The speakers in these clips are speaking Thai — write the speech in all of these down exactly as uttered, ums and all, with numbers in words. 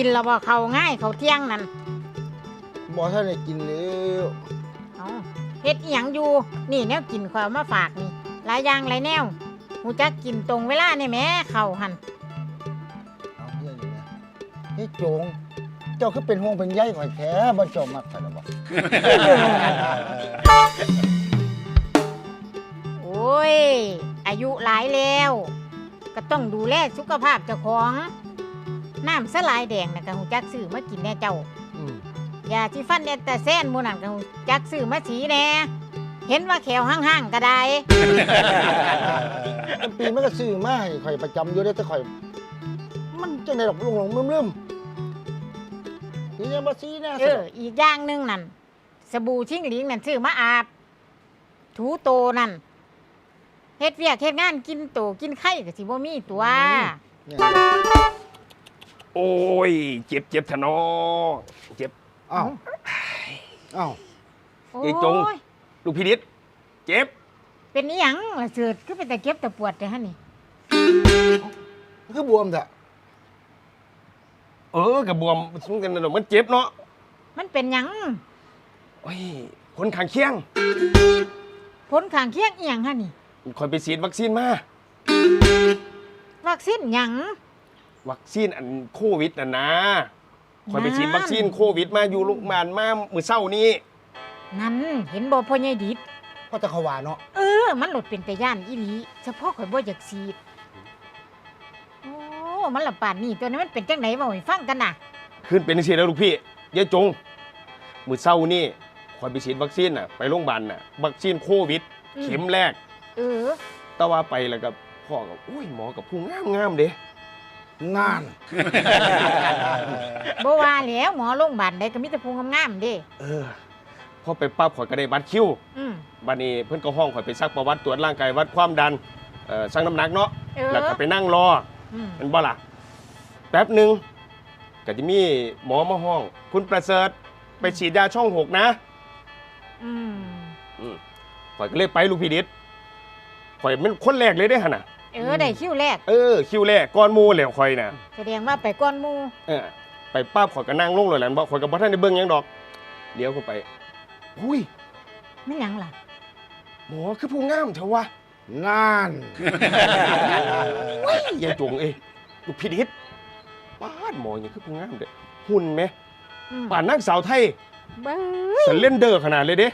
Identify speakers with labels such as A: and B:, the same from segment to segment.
A: นแล้วบ่เขาง่ายเขาเที่ยงนั่น
B: บ่ท่านได้กินแล้ว
A: เอาเฮ็ดอีหยังอยู่นี่แนวกินข้อยมาฝากนี่หลายอย่างหลายแนวฮู้จักกินตรงเวลานี่แหมเข้าหั่น
B: เอาเฮียนี่นะเฮ้ยโจงเจ้าคือเป็นห่วงเป็นใยข่อยแท้บ่เจ้ามักซั่นล่ะบ่
A: โอ้ยอายุหลายแล้วก็ต้องดูแลสุขภาพเจ้าของน้ำสลายแดงน่ะก็ฮู้จักซื้อมากินแน่เจ้าอืมยาที่ฟันแอนตาแซนหมู่นั่นก็ฮู้จักซื้อมาสีแน่เห็นว่าแขวห่างๆก็ได้
B: ตั้งปีมันก็ซื้อมาให้ข่อยประจำอยู่เด้แต่ข่อยมันจังได๋ดอกลงๆลืมๆนี่ยังบ่ซีนะ
A: เอออีกอย่างนึงนั่นสบู่ชิงหลิงนั่นซื้อมาอาบถูโตนั่นเฮ็ดเวียกเฮ็ดงานกินโตกินไข่ก็สิบ่มีตัว
C: โอ้ยเจ็บเจ็บทะนอเจ็บ
B: อ้าวอ้าว
C: ไอ้จงลูกพี่นิดเจ็บ
A: เป็นอีหยังล่ะเสิร์ชคือเป็นแต่เจ็บแต่ปวดแต่ฮะนี่
B: คือบวมซะ
C: เออกับบวมซึ่งกันน่ะมันเจ็บเนาะ
A: มันเป็นหยัง
C: โอ้ยผลข้างเคียง
A: ผลข้างเคียงอีหยังฮะนี่
C: คอยไปฉีดวัคซีนมา
A: วัคซีนหยัง
C: วัคซีนอันโควิดน่ะนะคอยไปฉีดวัคซีนโควิดมาอยู่โรงพยาบาลมามื้อเช้านี้
A: นั่นเห็นบ่พ่อใหญ่ดิษ
B: เพราะแต่เขาว่าเนาะ
A: เออมันหลดเป็นแต่ย่านอีหลีเฉพาะข่อยบ่อยากฉีดโอ้มันละป่านนี้ตัวนี้มันเป็นจังไหนบ่ให้ฟังกันน่ะ
C: ขึ้นเป็นจังซี่แล้วลูกพี่ยายจงมื้อเช้านี้คอยไปฉีดวัคซีนน่ะไปโรงพยาบาลน่ะวัคซีนโควิดเข็มแรก
A: เออ
C: แต่ว่าไปแล้วก็พ่อก็โอ้ยหมอกับผู้งามๆเด้
B: งาน
A: บ่ว่าแล้วหมอโรงพยาบาลใดก็มีแต่ผู้งามๆเด้
C: เออพอไปปั๊บข่อยก็ได้บัตรคิว
A: อืม
C: บัดนี้เพิ่นก็ห้องข่อยไปซักประวัติตรวจร่างกายวัดความดันเอ่อชั่งน้ำหนักเนาะแล้วก็ไปนั่งรอมันบ่ล่ะแป๊บนึงก็จะมีหมอมาห้องคุณประเสริฐไปฉีดยาช่องหกนะ
A: อืม
C: อืมข่อยก็เลยไปลูกพี่ดิษข่อยเป็นคนแรกเลยเด้หั่นน่ะ
A: เออได้คิวแรก
C: เออคิวแรกก่อนหมู่แล้วข่อยน่ะ
A: แสดงว่าไปก่อนหมู่
C: เออไปปั๊บข่อยก็นั่งลงเลยแหละบ่ข่อยก็บ่ทันได้เบิ่งหยังดอกเดี๋ยวเข้าไปอุ้ย
A: ไม่หยังล่ะ
C: หมอคือผู้งามเถอะวะ
B: งาน
C: ว้ยยายจงเอ้ยลูกพี่ดิษป้านหมออย่างคือผู้งามเด้หุ่นไหมป่านนางสาวไทยสเลนเดอร์ขนาดเลยเด้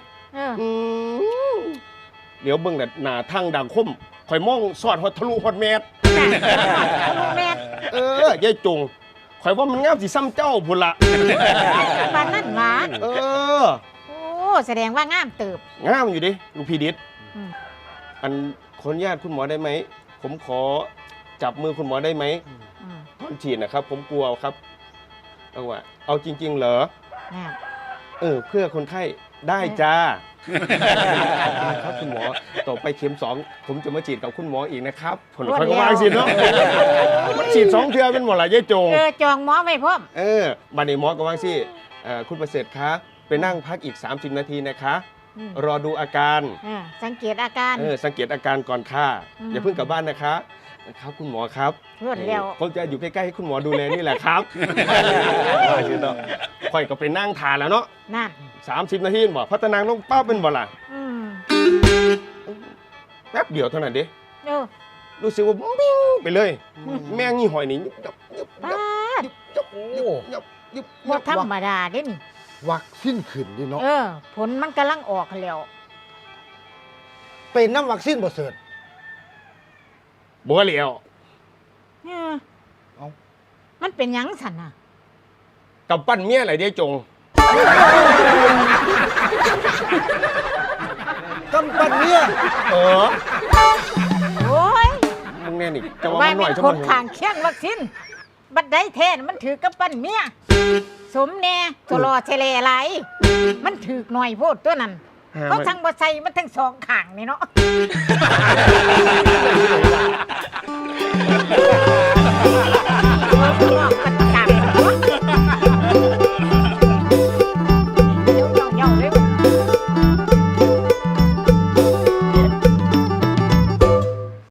C: เดี๋ยวเบิ่งแต่หน้าทางดังคมข่อยมองสอดฮอดทะลุฮอดแมส
A: ทะลุแมส
C: เออยายจงข่อยว่ามันงามสิซ้ำเจ้าพุ่นละ
A: ปานนั้นหวา
C: เออ
A: แสดงว่างามเติบ
C: งามอยู่ดิลูกพี่ดิษอันขออนุญาตคุณหมอได้ไหมผมขอจับมือคุณหมอได้ไหมตอนฉีดนะครับผมกลัวครับเอาว่าเอาจริงๆเหรอเออเพื่อคนไข้ได้จ้าครับคุณหมอต่อไปเข็มสองผมจะมาฉีดกับคุณหมออีกนะครับผลคอยก็วางสิเนาะมันฉีดสองเทื่อเป็นหมดหลายยายจง
A: เออจองหมอไว้พร้อม
C: เออบัดนี้หมอก็วางสิคุณประเสริฐคะไปนั่งพักอีกสามสิบนาทีนะคะรอดูอาการ
A: สังเกตอาการ
C: เออสังเกตอาการก่อนค่ะอย่าเพิ่งกลับบ้านนะคะครับคุณหมอครับ
A: รวดเร็ว
C: ผมจะอยู่ใกล้ๆให้คุณหมอดูแลนี่แหละครับว่าสิเนาะค่อยก็ไปนั่งทานแล้วเนาะ
A: นั่น
C: สามสิบนาทีบอกพัฒนางลงป้าเป็นบ่ล่ะแป๊บเดียวเท่านั้นเด้รู้สึกว่าบิ้งไปเลยแม่งนี่หอยนี่ยุบยับยุบยับยุบยับยุบ
A: บ่ธรรมดาเด้นี่
B: วัคซีนขึ้นดิเนาะ
A: เออผลมันกำลังออกแล้ว
B: เป็นน้ำวัคซีนบ่เสิร์ช
C: บ่เหลียว
A: เออมันเป็นหยังสั่นน่ะ
C: กับปั้นเมียอะไรเด้จง
B: กำปั้นเมีย
C: เออ
A: โอ้ย
C: มึงแน่นี่จะว่ามันหน่อย
A: จะมันคนข้างเคียงวัคซีนบัดได้แท้มันถือกำปั้นเมียสมแน่ตัวรอเฉลอะไรมันถือหน่อยโพดตัวนั้นเขาทั้งบ่ใส่มันทั้งสองข้างนี่เนาะ